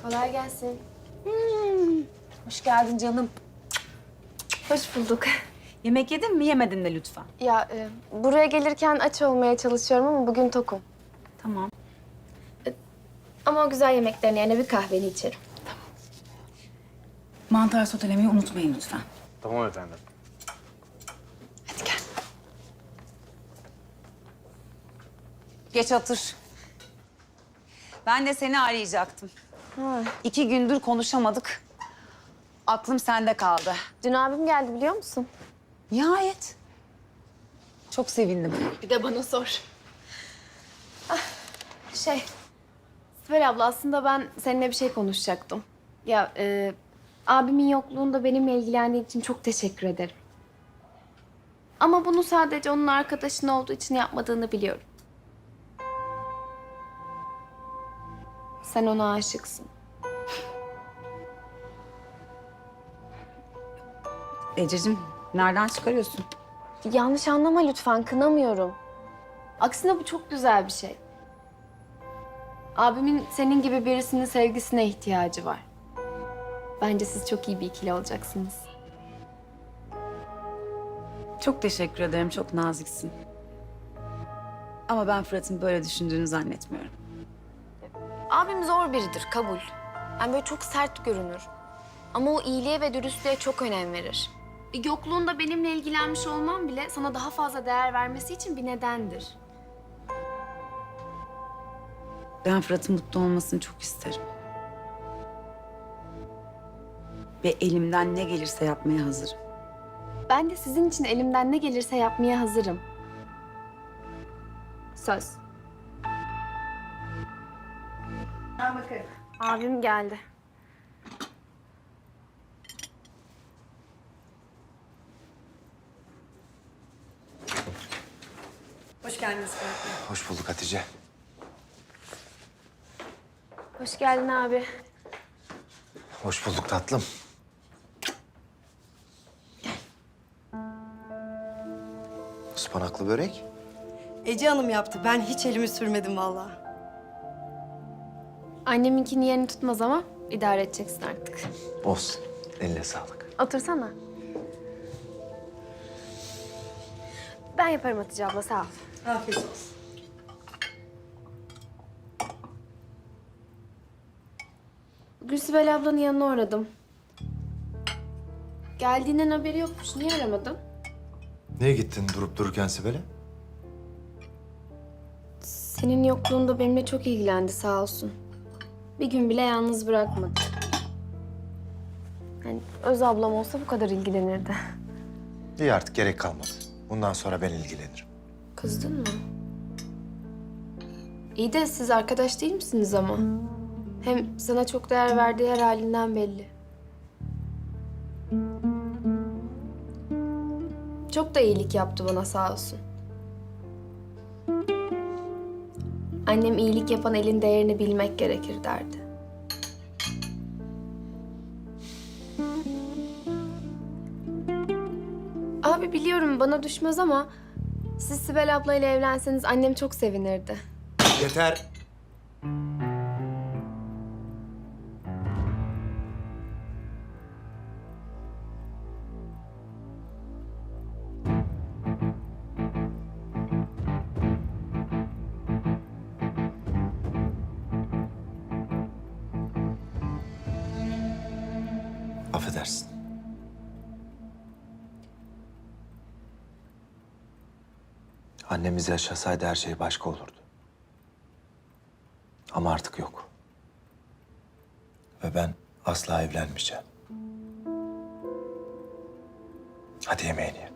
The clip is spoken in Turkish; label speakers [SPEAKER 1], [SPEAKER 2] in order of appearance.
[SPEAKER 1] Kolay gelsin.
[SPEAKER 2] Hoş geldin canım.
[SPEAKER 1] Hoş bulduk.
[SPEAKER 2] Yemek yedin mi? Yemedin de lütfen.
[SPEAKER 1] Ya buraya gelirken aç olmaya çalışıyorum ama bugün tokum.
[SPEAKER 2] Tamam.
[SPEAKER 1] Ama o güzel yemeklerin yerine bir kahveni içerim.
[SPEAKER 2] Mantar sotelemeyi unutmayın lütfen.
[SPEAKER 3] Tamam efendim.
[SPEAKER 2] Hadi gel. Geç otur. Ben de seni arayacaktım.
[SPEAKER 1] Ha.
[SPEAKER 2] 2 gündür konuşamadık. Aklım sende kaldı.
[SPEAKER 1] Dün abim geldi biliyor musun?
[SPEAKER 2] Nihayet. Çok sevindim.
[SPEAKER 1] Bir de bana sor. Sibel abla aslında ben seninle bir şey konuşacaktım. Ya abimin yokluğunda benimle ilgilendiğin için çok teşekkür ederim. Ama bunu sadece onun arkadaşın olduğu için yapmadığını biliyorum. Sen ona aşıksın.
[SPEAKER 2] Ececiğim, nereden çıkarıyorsun?
[SPEAKER 1] Yanlış anlama lütfen, kınamıyorum. Aksine bu çok güzel bir şey. Abimin senin gibi birisinin sevgisine ihtiyacı var. Bence siz çok iyi bir ikili olacaksınız.
[SPEAKER 2] Çok teşekkür ederim, çok naziksin. Ama ben Fırat'ın böyle düşündüğünü zannetmiyorum.
[SPEAKER 1] Abim zor biridir, kabul. Yani böyle çok sert görünür. Ama o iyiliğe ve dürüstlüğe çok önem verir. Yokluğunda benimle ilgilenmiş olmam bile sana daha fazla değer vermesi için bir nedendir.
[SPEAKER 2] Ben Fırat'ın mutlu olmasını çok isterim. Ve elimden ne gelirse yapmaya hazırım.
[SPEAKER 1] Ben de sizin için elimden ne gelirse yapmaya hazırım. Söz. Abim geldi.
[SPEAKER 4] Hoş geldiniz Fırat Bey.
[SPEAKER 3] Hoş bulduk Hatice.
[SPEAKER 1] Hoş geldin abi.
[SPEAKER 3] Hoş bulduk tatlım. Ispanaklı börek.
[SPEAKER 4] Ece Hanım yaptı. Ben hiç elimi sürmedim vallahi.
[SPEAKER 1] Anneminkini yerini tutmaz ama idare edeceksin artık.
[SPEAKER 3] Olsun. Eline sağlık.
[SPEAKER 1] Otursana. Ben yaparım Hatice abla, sağ ol.
[SPEAKER 4] Afiyet olsun.
[SPEAKER 1] Bugün Sibel ablanın yanına uğradım. Geldiğinden haberi yokmuş. Niye aramadın?
[SPEAKER 3] Niye gittin durup dururken Sibel'e?
[SPEAKER 1] Senin yokluğunda benimle çok ilgilendi sağ olsun. Bir gün bile yalnız bırakmadı. Yani öz ablam olsa bu kadar ilgilenirdi.
[SPEAKER 3] İyi artık gerek kalmadı. Bundan sonra ben ilgilenirim.
[SPEAKER 1] Kızdın mı? İyi de siz arkadaş değil misiniz ama? Hem sana çok değer verdiği her halinden belli. Çok da iyilik yaptı bana sağ olsun. Annem iyilik yapan elin değerini bilmek gerekir derdi. Abi biliyorum bana düşmez ama siz Sibel ablayla evlenseniz annem çok sevinirdi.
[SPEAKER 3] Yeter. Affedersin. Annemiz yaşasaydı her şey başka olurdu. Ama artık yok. Ve ben asla evlenmeyeceğim. Hadi yemeğini ye.